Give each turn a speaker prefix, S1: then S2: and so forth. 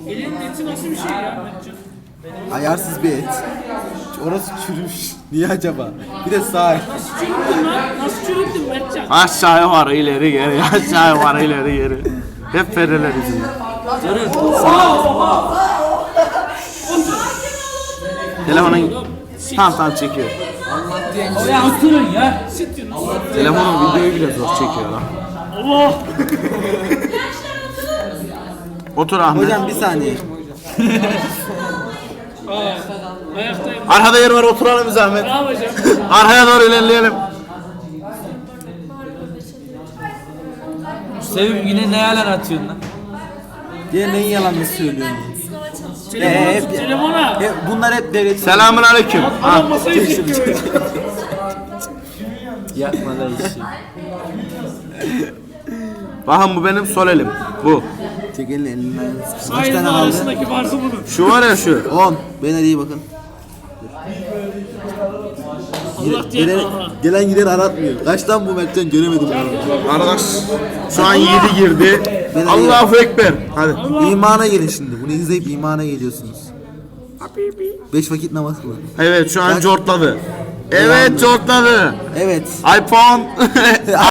S1: Elinin eti nasıl bir şey ya Mertcan?
S2: Ayarsız bir et. Orası çürümüş. Niye acaba? Bir de sağ.
S1: Nasıl çürüttün lan? Nasıl çürüttün Mertcan?
S3: Aşağıya var ileri geri, aşağıya var ileri geri. Hep fereler yüzünden. Telefonun tam çekiyor.
S4: Oraya oturun ya.
S3: Telefonun videoyu bile zor çekiyor lan.
S1: Allah!
S3: Otur Ahmet.
S2: Hocam bir saniye.
S1: Ayaktayım.
S3: Arkada yer var, oturalım biz Ahmet.
S1: Ne yapacağım?
S3: Arkaya doğru ilerleyelim.
S4: Sevim yine ne yalan atıyorsun lan?
S2: Diğer neyin yalanını söylüyorsun?
S1: Telefona.
S2: Bunlar hep devlet.
S3: Selamun aleyküm.
S1: Adam masayı çekiyor.
S4: Yapma da işi.
S3: Bakın bu benim sol elim. Bu.
S2: Çek elini elinden. Kaç
S1: Sayın
S2: tane kaldı?
S1: arasındaki farkı bunun.
S3: Şu var ya şu.
S2: 10. Ben hadi iyi bakın.
S1: Allah diye
S2: Gelen gider aratmıyor. Kaçtan bu Mertcan göremedim ben.
S3: Arkadaş şu an 7 girdi.
S2: Ben
S3: Allahu Ekber. Hadi.
S2: İmana gelin şimdi. Bunu izleyip imana geliyorsunuz. 5 vakit namaz kılın.
S3: Evet şu an cortladı. Evet cortladı.
S2: Evet.
S3: iPhone